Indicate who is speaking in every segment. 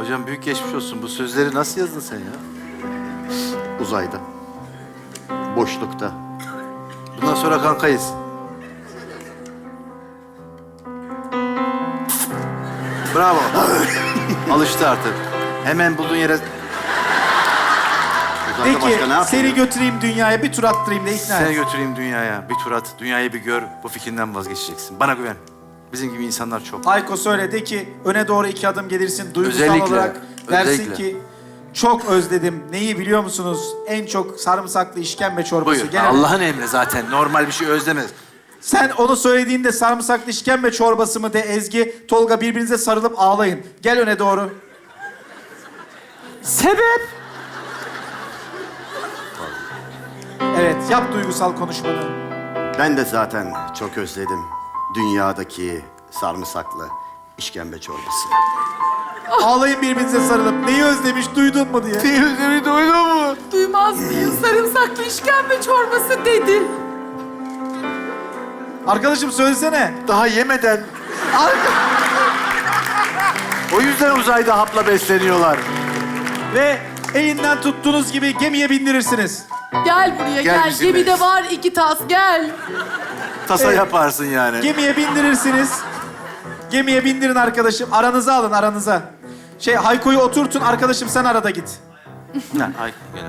Speaker 1: Hocam büyük geçmiş olsun. Bu sözleri nasıl yazdın sen ya?
Speaker 2: Uzayda. Boşlukta.
Speaker 1: Bundan sonra kankayız. Bravo. Alıştı artık. Hemen bulduğun yere...
Speaker 2: Uzayda başka ne
Speaker 3: Peki
Speaker 2: yapıyor?
Speaker 3: seni götüreyim dünyaya bir tur attırayım da ikna
Speaker 1: Seni
Speaker 3: et.
Speaker 1: götüreyim dünyaya. Bir tur at. Dünyayı bir gör. Bu fikrinden vazgeçeceksin. Bana güven. Bizim gibi insanlar çok.
Speaker 3: Hayko söyle de ki öne doğru 2 adım gelirsin duygusal
Speaker 1: Özellikle,
Speaker 3: olarak dersin
Speaker 1: özellikle.
Speaker 3: ki çok özledim. Neyi biliyor musunuz? En çok sarımsaklı işkembe çorbası.
Speaker 1: Buyur.
Speaker 3: Gene-
Speaker 1: Allah'ın emri zaten. Normal bir şey özlemez.
Speaker 3: Sen onu söylediğinde sarımsaklı işkembe çorbası mı de Ezgi, Tolga birbirinize sarılıp ağlayın. Gel öne doğru.
Speaker 1: Sebep?
Speaker 3: Evet yap duygusal konuşmanı.
Speaker 2: Ben de zaten çok özledim. Dünyadaki sarımsaklı işkembe çorbası.
Speaker 3: Ağlayın birbirinize sarılıp. Neyi özlemiş duydun mu diye.
Speaker 1: Özlemi duydun mu?
Speaker 4: Duymaz mıyım? Sarımsaklı işkembe çorbası dedi.
Speaker 3: Arkadaşım söylesene.
Speaker 1: Daha yemeden. O yüzden uzayda hapla besleniyorlar.
Speaker 3: Ve elinden tuttuğunuz gibi gemiye bindirirsiniz.
Speaker 4: Gel buraya
Speaker 1: Gel
Speaker 4: gel.
Speaker 1: bizimle.
Speaker 4: Gemide var 2 tas gel.
Speaker 1: Tasa
Speaker 3: Evet.
Speaker 1: yaparsın yani.
Speaker 3: Gemiye bindirirsiniz. Gemiye bindirin arkadaşım. Aranıza alın aranıza. Hayko'yu oturtun arkadaşım sen arada git.
Speaker 1: Ay, gel.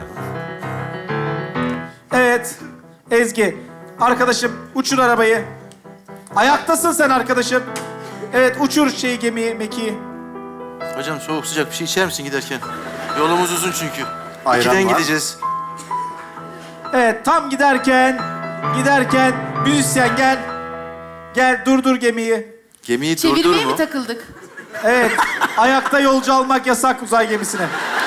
Speaker 3: Evet. Ezgi. Arkadaşım uçur arabayı. Ayaktasın sen arkadaşım. Evet uçur gemiyi, mekiği.
Speaker 1: Hocam soğuk sıcak bir şey içer misin giderken? Yolumuz uzun çünkü.
Speaker 2: Ayran
Speaker 1: 2'den
Speaker 2: var.
Speaker 1: gideceğiz.
Speaker 3: Evet tam giderken müzisyen gel. Gel durdur gemiyi.
Speaker 1: Gemiyi
Speaker 4: Çevirmeye
Speaker 1: durdur mu?
Speaker 4: mi takıldık?
Speaker 3: Evet ayakta yolcu almak yasak uzay gemisine.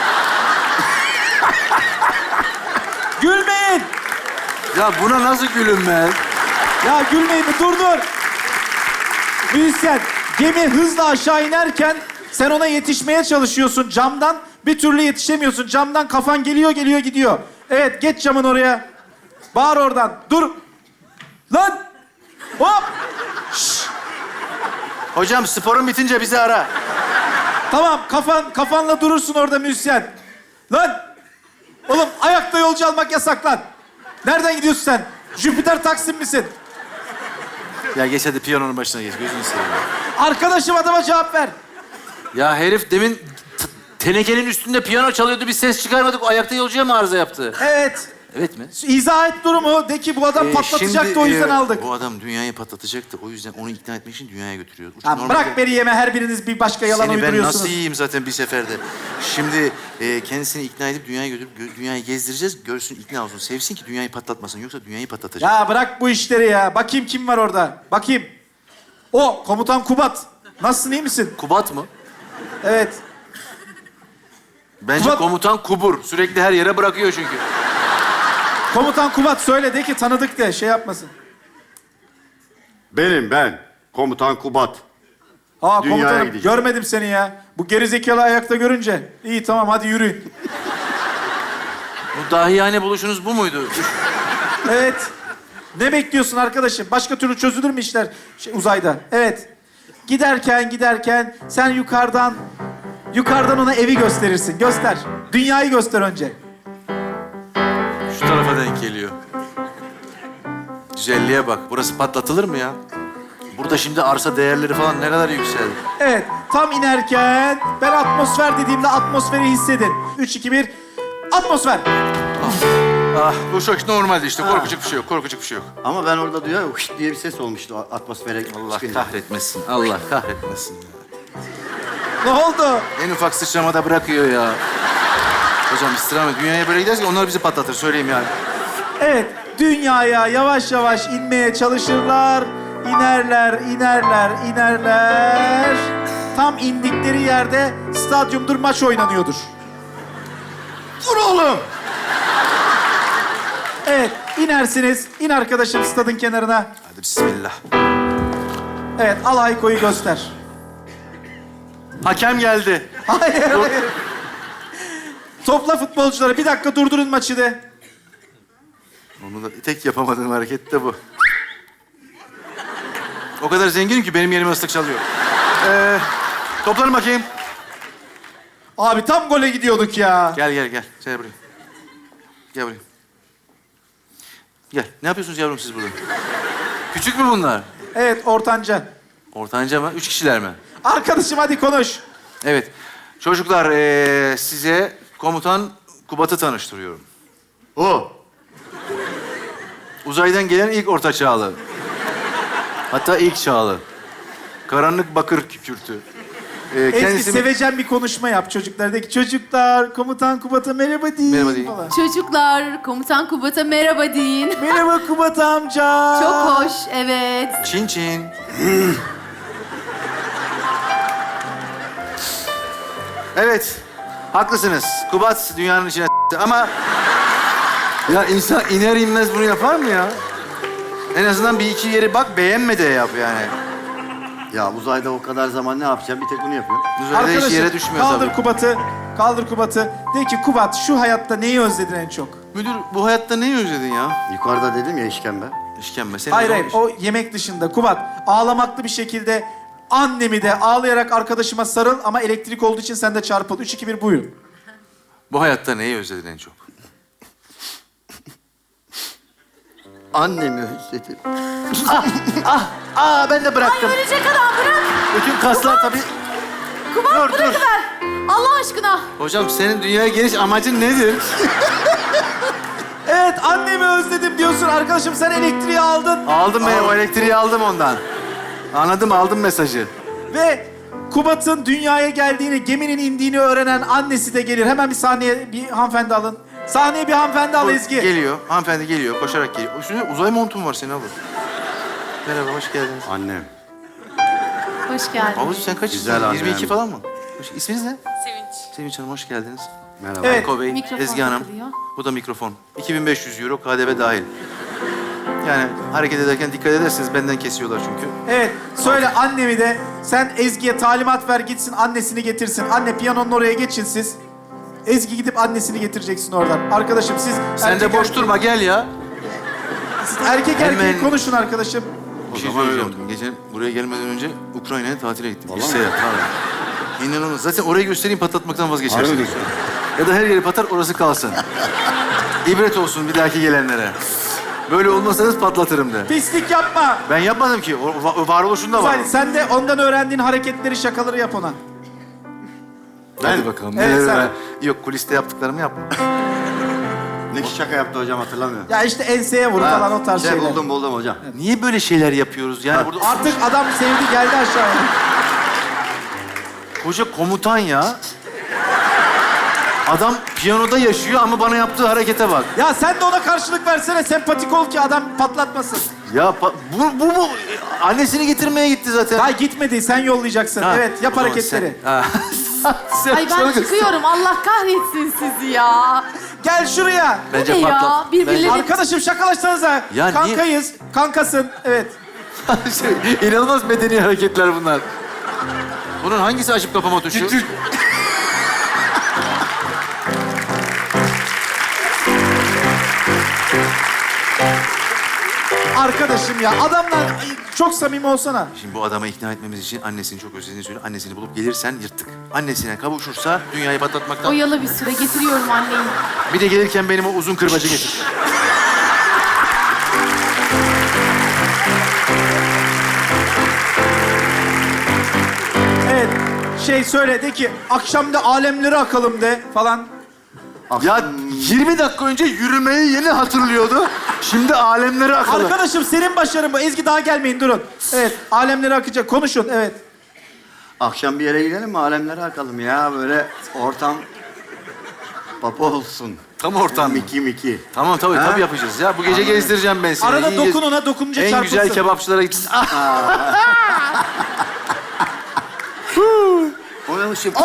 Speaker 3: Gülmeyin.
Speaker 1: Ya buna nasıl gülünmez?
Speaker 3: Ya gülmeyin mi? Dur. Müzisyen, gemi hızla aşağı inerken sen ona yetişmeye çalışıyorsun camdan. Bir türlü yetişemiyorsun. Camdan kafan geliyor gidiyor. Evet, geç camın oraya. Bağır oradan. Dur. Lan! Hop!
Speaker 1: Hocam sporun bitince bizi ara.
Speaker 3: Tamam, kafanla durursun orada müzisyen. Lan! Oğlum ayakta yolcu almak yasak lan. Nereden gidiyorsun sen? Jüpiter Taksim misin?
Speaker 1: Ya geç hadi piyanonun başına geç. Gözünü seveyim.
Speaker 3: Arkadaşım adama cevap ver.
Speaker 1: Ya herif demin tenekenin üstünde piyano çalıyordu. Bir ses çıkarmadık. O ayakta yolcuya mı arıza yaptı?
Speaker 3: Evet.
Speaker 1: Evet mi?
Speaker 3: İzah et durumu. De ki bu adam patlatacaktı
Speaker 1: Şimdi,
Speaker 3: o yüzden aldık.
Speaker 1: Bu adam dünyayı patlatacaktı. O yüzden onu ikna etmek için dünyaya götürüyoruz.
Speaker 3: Ya bırak beni yeme her biriniz bir başka yalan
Speaker 1: Seni ben
Speaker 3: uyduruyorsunuz.
Speaker 1: nasıl yiyeyim zaten bir seferde. Şimdi kendisini ikna edip dünyaya götürüp dünyayı gezdireceğiz. Görsün, ikna olsun. Sevsin ki dünyayı patlatmasın. Yoksa dünyayı patlatacak.
Speaker 3: Ya bırak bu işleri ya. Bakayım kim var orada. Bakayım. O komutan Kubat. Nasılsın iyi misin?
Speaker 1: Kubat mı?
Speaker 3: Evet.
Speaker 1: Bence
Speaker 3: Kubat-
Speaker 1: komutan Kubur. Sürekli her yere bırakıyor çünkü.
Speaker 3: Komutan Kubat söyle de ki tanıdık de şey yapmasın.
Speaker 2: Ben. Komutan Kubat.
Speaker 3: Aa
Speaker 2: Dünyaya
Speaker 3: komutanım
Speaker 2: gideceğim.
Speaker 3: görmedim seni ya. Bu gerizekalı ayakta görünce. İyi tamam hadi yürüyün.
Speaker 1: Bu dahiyane buluşunuz bu muydu?
Speaker 3: Evet. Ne bekliyorsun arkadaşım? Başka türlü çözülür mü işler uzayda? Evet. Giderken sen yukarıdan ona evi gösterirsin. Göster. Dünyayı göster önce.
Speaker 1: Şu tarafa denk geliyor. Güzelliğe bak. Burası patlatılır mı ya? Burada şimdi arsa değerleri falan ne kadar yükseldi.
Speaker 3: Evet. Tam inerken ben atmosfer dediğimde atmosferi hissedin. 3, 2, 1. Atmosfer.
Speaker 1: Ah, bu çok normaldi işte. Korkacak bir şey yok. Korkacak bir şey yok.
Speaker 2: Ama ben orada duyuyorum hışt diye bir ses olmuştu atmosfere
Speaker 1: Allah
Speaker 2: çıkınca.
Speaker 1: kahretmesin. Allah kahretmesin.
Speaker 3: Ne oldu?
Speaker 1: En ufak sıçramada bırakıyor ya. Hocam istirham et. Dünyaya böyle giderse onlar bizi patlatır. Söyleyeyim yani.
Speaker 3: Evet. Dünyaya yavaş yavaş inmeye çalışırlar. İnerler. Tam indikleri yerde stadyumdur maç oynanıyordur.
Speaker 2: Dur oğlum!
Speaker 3: Evet. İnersiniz. İn arkadaşım stadın kenarına.
Speaker 1: Hadi bismillah.
Speaker 3: Evet. Al Hayko'yu göster.
Speaker 1: Hakem geldi.
Speaker 3: Hayır. Topla futbolcuları. Bir dakika durdurun maçı de.
Speaker 1: Onu da tek yapamadığım hareket de bu. O kadar zenginim ki benim yerime ıslık çalıyor. Toplanın bakayım.
Speaker 3: Abi tam gole gidiyorduk ya.
Speaker 1: Gel. Gel buraya. Gel buraya. Gel. Ne yapıyorsunuz yavrum siz burada? Küçük mü bunlar?
Speaker 3: Evet, ortanca.
Speaker 1: Ortanca mı? 3 kişiler mi?
Speaker 3: Arkadaşım hadi konuş.
Speaker 1: Evet. Çocuklar size komutan Kubat'ı tanıştırıyorum.
Speaker 2: O.
Speaker 1: Uzaydan gelen ilk orta çağlı. Hatta ilk çağlı. Karanlık bakır kükürtü.
Speaker 3: Ezgi sevecen bir konuşma yap çocuklardaki. Çocuklar, komutan Kubat'a merhaba deyin.
Speaker 1: Merhaba deyin.
Speaker 3: Falan.
Speaker 4: Çocuklar, komutan Kubat'a merhaba deyin.
Speaker 3: Merhaba Kubat amca.
Speaker 4: Çok hoş, evet.
Speaker 1: Çin çin. Evet. Haklısınız. Kubat dünyanın içine ama... Ya insan iner inmez bunu yapar mı ya? En azından bir iki yeri bak, beğenme de yap yani.
Speaker 2: Ya uzayda o kadar zaman ne yapacağım? Bir tek bunu yapıyorum.
Speaker 1: Uzayda hiç yere düşmüyor
Speaker 3: kaldır
Speaker 1: tabii.
Speaker 3: Kubat'ı. Kaldır Kubat'ı. De ki Kubat şu hayatta neyi özledin en çok?
Speaker 1: Müdür, bu hayatta neyi özledin ya?
Speaker 2: Yukarıda dedim ya işkembe.
Speaker 1: İşkembe. Senin
Speaker 3: Hayır
Speaker 1: zor
Speaker 3: hayır,
Speaker 1: iş.
Speaker 3: o yemek dışında. Kubat, ağlamaklı bir şekilde annemi de ağlayarak arkadaşıma sarıl ama elektrik olduğu için sen de çarpıl. 3, 2, 1 buyurun.
Speaker 1: Bu hayatta neyi özledin en çok?
Speaker 2: Annemi özledim.
Speaker 1: Ben de bıraktım.
Speaker 4: Ölecek adam, bırak.
Speaker 1: Bütün kaslar tabii...
Speaker 4: Kubat,
Speaker 1: Dur, dur.
Speaker 4: bırakıver. Allah aşkına.
Speaker 1: Hocam senin dünyaya geliş amacın nedir?
Speaker 3: Evet, annemi özledim diyorsun. Arkadaşım sen elektriği aldın.
Speaker 1: Aldım ben o elektriği aldım ondan. Anladım, aldım mesajı.
Speaker 3: Ve Kubat'ın dünyaya geldiğini, geminin indiğini öğrenen annesi de gelir. Hemen bir sahneye bir hanımefendi alın. Sahneye bir hanımefendi al Ezgi.
Speaker 1: Geliyor, hanımefendi geliyor, koşarak geliyor. Üstünde uzay montun var senin abla. Merhaba, hoş geldiniz.
Speaker 2: Annem.
Speaker 4: Hoş geldin.
Speaker 1: Ablacığım sen kaç
Speaker 2: Güzel
Speaker 1: yaşındasın?
Speaker 2: annem.
Speaker 1: 22 falan mı? İsminiz ne?
Speaker 4: Sevinç.
Speaker 1: Sevinç Hanım, hoş geldiniz.
Speaker 2: Merhaba.
Speaker 3: Evet.
Speaker 1: Eko Bey,
Speaker 4: Mikrofon
Speaker 1: Ezgi Hanım.
Speaker 4: takılıyor.
Speaker 1: Bu da mikrofon. 2500 euro KDV dahil. Yani hareket ederken dikkat ederseniz benden kesiyorlar çünkü.
Speaker 3: Evet, söyle annemi de sen Ezgi'ye talimat ver gitsin annesini getirsin. Anne piyanonun oraya geçin siz. Ezgi gidip annesini getireceksin oradan. Arkadaşım siz...
Speaker 1: Sen de boş durma, gel ya.
Speaker 3: Siz erkek erkeğe
Speaker 1: Hemen-
Speaker 3: konuşun arkadaşım.
Speaker 1: Bir şey
Speaker 2: zaman öyle
Speaker 1: söyleyeceğim. Gece buraya gelmeden önce Ukrayna'ya tatile gittim. Bir seyahat. İnanılmaz. Zaten orayı göstereyim, patlatmaktan
Speaker 2: Harbi
Speaker 1: vazgeçersin.
Speaker 2: diyorsun.
Speaker 1: Ya da her yeri patlar, orası kalsın. İbret olsun bir dahaki gelenlere. Böyle olmasanız patlatırım de.
Speaker 3: Pislik yapma.
Speaker 1: Ben yapmadım ki. O varoluşunda var.
Speaker 3: Güzel, sen de ondan öğrendiğin hareketleri, şakaları yap ona.
Speaker 1: Hadi bakalım.
Speaker 3: Evet,
Speaker 1: neler
Speaker 3: sen-
Speaker 1: öyle- Yok, kuliste yaptıklarımı yapma.
Speaker 2: Ne şaka yaptı hocam hatırlamıyorum.
Speaker 3: Ya işte enseye vur falan o tarz şeyler.
Speaker 2: Buldum hocam.
Speaker 1: Niye böyle şeyler yapıyoruz? Yani burada
Speaker 3: Artık adam sevdi geldi aşağıya.
Speaker 1: koca komutan ya. Adam piyanoda yaşıyor ama bana yaptığı harekete bak.
Speaker 3: Ya sen de ona karşılık versene, sempatik ol ki adam patlatmasın.
Speaker 1: Ya bu annesini getirmeye gitti zaten.
Speaker 3: Daha gitmedi, sen yollayacaksın.
Speaker 1: Ha,
Speaker 3: Evet, yap
Speaker 1: o zaman
Speaker 3: hareketleri.
Speaker 1: sen- Ha. Sen
Speaker 4: Ay ben
Speaker 1: çılgınsın.
Speaker 4: çıkıyorum. Allah kahretsin sizi ya.
Speaker 3: Gel şuraya.
Speaker 1: Bence
Speaker 4: Bu ne ya?
Speaker 1: patlat.
Speaker 4: Birbirleri-
Speaker 3: Arkadaşım şakalaşsanıza.
Speaker 1: Ya niye-
Speaker 3: Kankayız, kankasın. Evet.
Speaker 1: İnanılmaz medeni hareketler bunlar. Bunun hangisi açıp kapama tuşu?
Speaker 3: Arkadaşım ya, adamlar ay, çok samimi olsana.
Speaker 1: Şimdi bu adamı ikna etmemiz için annesini çok özlediğini söyle. Annesini bulup gelirsen yırttık. Annesine kavuşursa dünyayı patlatmaktan...
Speaker 4: Oyalı bir süre getiriyorum anneyi.
Speaker 1: Bir de gelirken benim o uzun kırbacı getir.
Speaker 3: Evet, söyle de ki akşam da alemleri akalım de falan.
Speaker 1: Ya 20 dakika önce yürümeyi yeni hatırlıyordu. Şimdi alemleri akalım.
Speaker 3: Arkadaşım senin başarın bu. Ezgi daha gelmeyin, durun. Evet, alemleri akacak. Konuşun, evet.
Speaker 2: Akşam bir yere gidelim mi? Alemlere akalım ya. Böyle ortam papa olsun.
Speaker 1: Tam ortam.
Speaker 2: Miki.
Speaker 1: Tamam tabii,
Speaker 2: Ha?
Speaker 1: tabii yapacağız ya. Bu gece gezdireceğim ben seni.
Speaker 3: Arada
Speaker 1: İyi
Speaker 3: dokun ona, dokununca
Speaker 1: En
Speaker 3: çarpılsın.
Speaker 1: güzel kebapçılara gitsin.
Speaker 2: O ne ışık?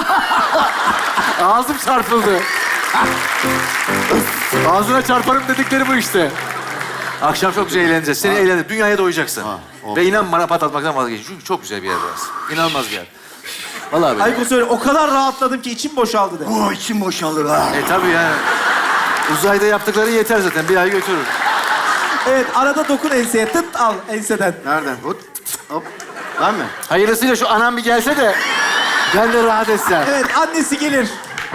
Speaker 1: Ağzım çarpıldı. Ağzına çarparım dedikleri bu işte. Akşam çok güzel eğleneceğiz. Seni eğlendir. Dünyaya doyacaksın.
Speaker 2: oldu.
Speaker 1: Ve inan bana patlatmaktan vazgeçin. Çünkü çok güzel bir yer burası. İnanılmaz bir yer. Vallahi böyle.
Speaker 3: Ayko söyle, o kadar rahatladım ki içim boşaldı de.
Speaker 2: Bu içim boşalır ha.
Speaker 1: Tabii yani. Uzayda yaptıkları yeter zaten. Bir ay götürür.
Speaker 3: Evet, arada dokun enseye. Tıt al enseden.
Speaker 2: Nereden? Hop. Ben mi?
Speaker 1: Hayırlısıyla şu anam bir gelse de Ben de rahat etsem.
Speaker 3: Evet, annesi gelir.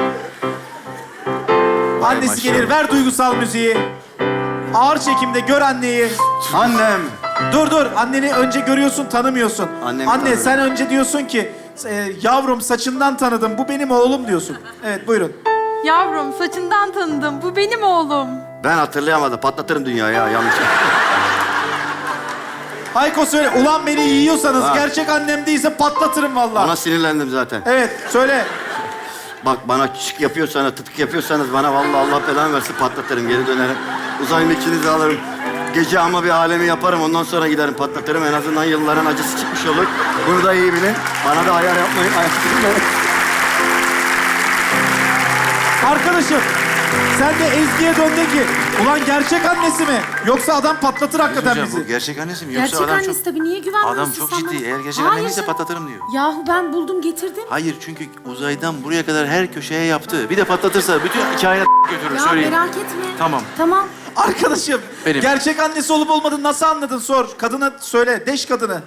Speaker 3: Annesi
Speaker 1: maşallah.
Speaker 3: gelir. Ver duygusal müziği. Ağır çekimde gör anneyi.
Speaker 2: Annem.
Speaker 3: Dur. Anneni önce görüyorsun, tanımıyorsun.
Speaker 2: Annemi
Speaker 3: Anne
Speaker 2: tanıyorum.
Speaker 3: sen önce diyorsun ki... yavrum saçından tanıdım. Bu benim oğlum diyorsun. Evet, buyurun.
Speaker 4: Yavrum saçından tanıdım. Bu benim oğlum.
Speaker 2: Ben hatırlayamadım. Patlatırım dünyayı ya yanlış.
Speaker 3: Hayko söyle. Ulan beni yiyorsanız,
Speaker 2: Ha.
Speaker 3: gerçek annem değilse patlatırım vallahi.
Speaker 2: Ona sinirlendim zaten.
Speaker 3: Evet, söyle.
Speaker 2: Bak bana küçük yapıyorsanız, tıtık yapıyorsanız bana vallahi Allah belanı versin patlatırım. Geri dönerim. Uzay mekiğinizi alırım. Gece ama bir alemi yaparım. Ondan sonra giderim patlatırım. En azından yılların acısı çıkmış olur. Bunu da iyi bilin. Bana da ayar yapmayın.
Speaker 3: Arkadaşım, sen de Ezgi'ye dön de ki, ulan gerçek annesi mi? Yoksa adam patlatır hakikaten
Speaker 1: Hocam,
Speaker 3: bizi.
Speaker 1: bu gerçek annesi mi? Yoksa
Speaker 5: Gerçek
Speaker 1: adam
Speaker 5: annesi
Speaker 1: çok...
Speaker 5: tabii, niye güvenmiyorsun
Speaker 1: Adam çok
Speaker 5: sen
Speaker 1: ciddi.
Speaker 5: bana?
Speaker 1: Eğer gerçek
Speaker 5: Hayır
Speaker 1: annem ise
Speaker 5: canım.
Speaker 1: patlatırım diyor.
Speaker 5: Yahu ben buldum getirdim.
Speaker 1: Hayır, çünkü uzaydan buraya kadar her köşeye yaptı. Bir de patlatırsa bütün hikaye götürür,
Speaker 5: Ya
Speaker 1: söyleyeyim.
Speaker 5: merak etme.
Speaker 1: Tamam.
Speaker 5: Tamam.
Speaker 3: Arkadaşım,
Speaker 1: Benim.
Speaker 3: gerçek annesi olup olmadığını nasıl anladın sor. Kadına söyle, deş kadını.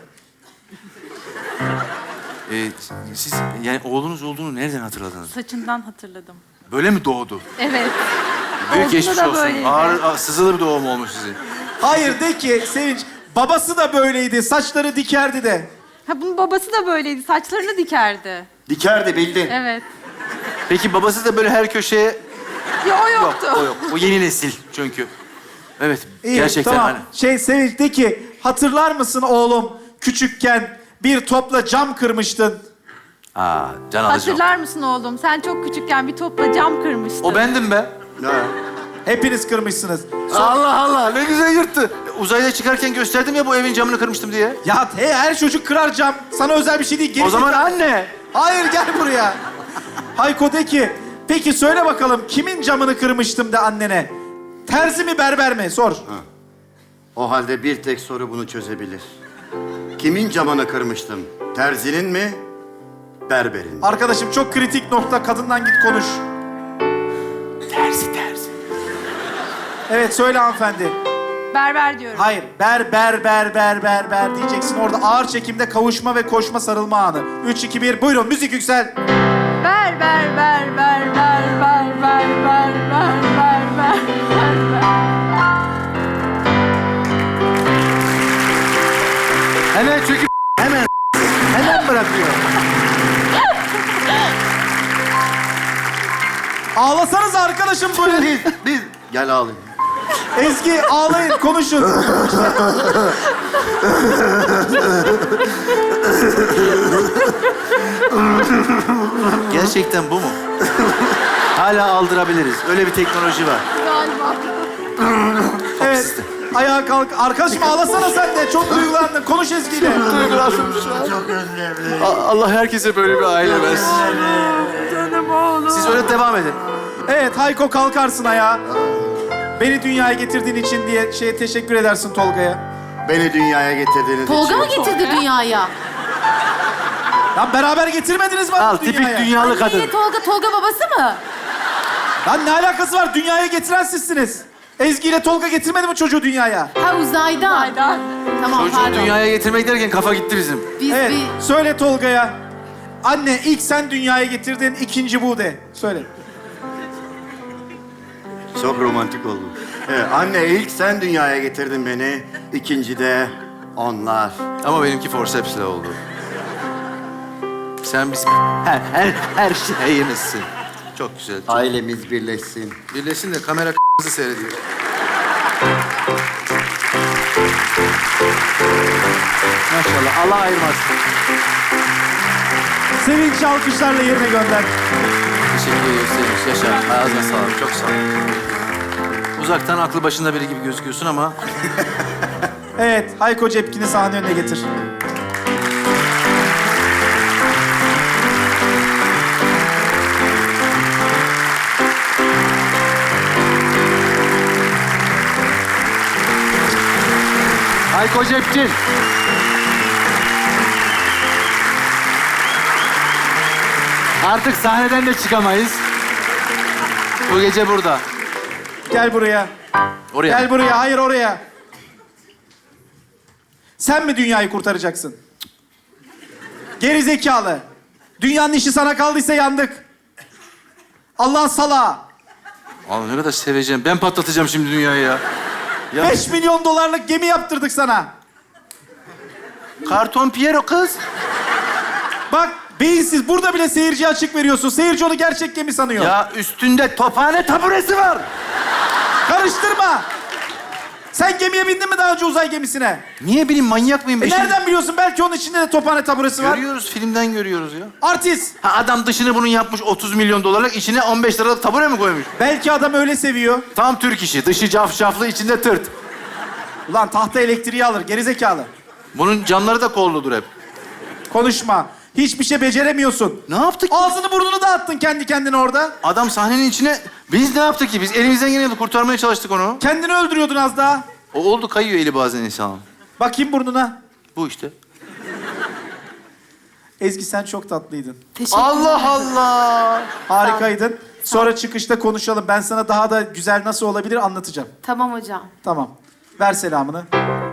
Speaker 1: Siz yani oğlunuz olduğunu nereden hatırladınız?
Speaker 4: Saçından hatırladım.
Speaker 1: Böyle mi doğdu?
Speaker 4: Evet.
Speaker 1: Büyük
Speaker 4: Olduğunda
Speaker 1: geçmiş
Speaker 4: da
Speaker 1: olsun.
Speaker 4: böyleydi.
Speaker 1: Ağır, sızılı bir doğum olmuş sizin.
Speaker 3: Hayır de ki Sevinç, babası da böyleydi, saçları dikerdi de.
Speaker 4: Ha bunun babası da böyleydi. Saçlarını dikerdi.
Speaker 2: Dikerdi bildin.
Speaker 4: Evet.
Speaker 1: Peki babası da böyle her köşeye...
Speaker 4: Ya o
Speaker 1: Yok,
Speaker 4: yoktu.
Speaker 1: o yok. O yeni nesil çünkü. Evet,
Speaker 3: İyi,
Speaker 1: gerçekten
Speaker 3: tamam.
Speaker 1: hani.
Speaker 3: Sevinç de ki, hatırlar mısın oğlum küçükken bir topla cam kırmıştın.
Speaker 1: Can alıcı.
Speaker 4: Hatırlar mısın oğlum? Sen çok küçükken bir topla cam kırmıştın.
Speaker 1: O bendim be.
Speaker 2: Ya.
Speaker 3: Hepiniz kırmışsınız.
Speaker 1: Allah Allah, ne güzel yırttı. Uzayda çıkarken gösterdim ya bu evin camını kırmıştım diye.
Speaker 3: Ya her çocuk kırar cam. Sana özel bir şey değil.
Speaker 1: O zaman
Speaker 3: gerizekalı.
Speaker 1: anne.
Speaker 3: Hayır, gel buraya. Hayko de ki, peki söyle bakalım kimin camını kırmıştım de annene. Terzi mi, berber mi? Sor.
Speaker 2: O halde bir tek soru bunu çözebilir. Kimin camını kırmıştım? Terzinin mi? Berberin mi?
Speaker 3: Arkadaşım çok kritik nokta. Kadından git konuş.
Speaker 1: Terzi.
Speaker 3: Evet, söyle hanımefendi.
Speaker 4: Berber diyorum.
Speaker 3: Hayır, ber diyeceksin. Orada ağır çekimde kavuşma ve koşma sarılma anı. 3, 2, 1, buyurun müzik yüksel.
Speaker 4: Ver.
Speaker 1: Hemen çünkü hemen bırakıyor.
Speaker 3: Ağlasanız arkadaşım böyle.
Speaker 2: Biz gel ağlayın.
Speaker 3: Ezgi ağlayın, konuşun.
Speaker 1: Gerçekten bu mu? Hala aldırabiliriz. Öyle bir teknoloji var.
Speaker 4: Galiba.
Speaker 3: Evet, ayağa kalk. Arkadaşım ağlasana sen de. Çok duygulandın. Konuş Ezgi'yle.
Speaker 1: Duygulandım şu an.
Speaker 2: Çok özledim.
Speaker 1: Allah herkese böyle bir aile versin.
Speaker 4: Canım oğlum.
Speaker 1: Siz öyle devam edin.
Speaker 3: Evet, Hayko kalkarsın ayağa. Beni dünyaya getirdiğin için diye teşekkür edersin Tolga'ya.
Speaker 2: Beni dünyaya getirdiğiniz
Speaker 5: Tolga
Speaker 2: için.
Speaker 5: mı getirdi dünyaya?
Speaker 3: Ya beraber getirmediniz mi
Speaker 1: Al,
Speaker 3: dünyaya?
Speaker 1: tipik dünyalı kadın.
Speaker 5: Anneyle Tolga babası mı?
Speaker 3: Lan ne alakası var? Dünyaya getiren sizsiniz. Ezgi ile Tolga getirmedi mi çocuğu dünyaya?
Speaker 5: Ha uzaydan.
Speaker 4: Aydan.
Speaker 5: Tamam
Speaker 1: Çocuğu
Speaker 5: pardon.
Speaker 1: dünyaya getirmek derken kafa gitti bizim.
Speaker 5: Biz
Speaker 3: Evet,
Speaker 5: bir...
Speaker 3: söyle Tolga'ya. Anne ilk sen dünyaya getirdin, ikinci bu de. Söyle.
Speaker 2: Çok romantik oldu. Evet, anne ilk sen dünyaya getirdin beni. İkinci de onlar.
Speaker 1: Ama benimki forceps'le oldu. Sen bizim her şeyimizsin. Çok güzel. Çok...
Speaker 2: Ailemiz birleşsin.
Speaker 1: Birleşsin de kamera kızı seyrediyor. Maşallah. Allah ayırmasın.
Speaker 3: Sevinç alkışlarla yerine gönder.
Speaker 1: Teşekkür ediyoruz Sevinç. Yaşa. Ağzına sağlık. Çok sağ ol. Uzaktan aklı başında biri gibi gözüküyorsun ama...
Speaker 3: Evet, Hayko Cepkin'i sahne önüne getir.
Speaker 1: Hayko Cepkin. Artık sahneden de çıkamayız. Bu gece burada.
Speaker 3: Gel buraya.
Speaker 1: Oraya.
Speaker 3: Gel buraya, hayır oraya. Sen mi dünyayı kurtaracaksın? Geri zekalı. Dünyanın işi sana kaldıysa yandık. Allah'ın salağı.
Speaker 1: Abi ne kadar seveceğim. Ben patlatacağım şimdi dünyayı ya. Ya
Speaker 3: 5 milyon dolarlık gemi yaptırdık sana.
Speaker 1: karton Piero kız.
Speaker 3: Bak beyinsiz burada bile seyirciye açık veriyorsun. Seyirci onu gerçek gemi sanıyor.
Speaker 1: Ya üstünde tophane taburesi var.
Speaker 3: Karıştırma. Sen gemiye bindin mi daha önce uzay gemisine?
Speaker 1: Niye bileyim manyak mıyım?
Speaker 3: Nereden biliyorsun? Belki onun içinde de tophane taburesi var.
Speaker 1: Görüyoruz, filmden görüyoruz ya.
Speaker 3: Artist.
Speaker 1: Ha, adam dışını bunun yapmış 30 milyon dolarlık, içine 15 liralık tabure mi koymuş?
Speaker 3: Belki adam öyle seviyor.
Speaker 1: Tam Türk işi. Dışı cafcaflı, içinde tırt.
Speaker 3: Ulan tahta elektriği alır gerizekalı.
Speaker 1: Bunun camları da kolludur hep.
Speaker 3: Konuşma. Hiçbir şey beceremiyorsun.
Speaker 1: Ne yaptık?
Speaker 3: Ağzını burnunu dağıttın kendi kendine orada.
Speaker 1: Adam sahnenin içine... Biz ne yaptık ki? Biz elimizden geleni kurtarmaya çalıştık onu.
Speaker 3: Kendini öldürüyordun az daha.
Speaker 1: O oldu, kayıyor eli bazen insanın.
Speaker 3: Bakayım burnuna.
Speaker 1: Bu işte.
Speaker 3: Ezgi sen çok tatlıydın.
Speaker 5: Teşekkür
Speaker 1: Allah Allah!
Speaker 3: Harikaydın. Sonra çıkışta konuşalım. Ben sana daha da güzel nasıl olabilir anlatacağım.
Speaker 5: Tamam hocam.
Speaker 3: Tamam. Ver selamını.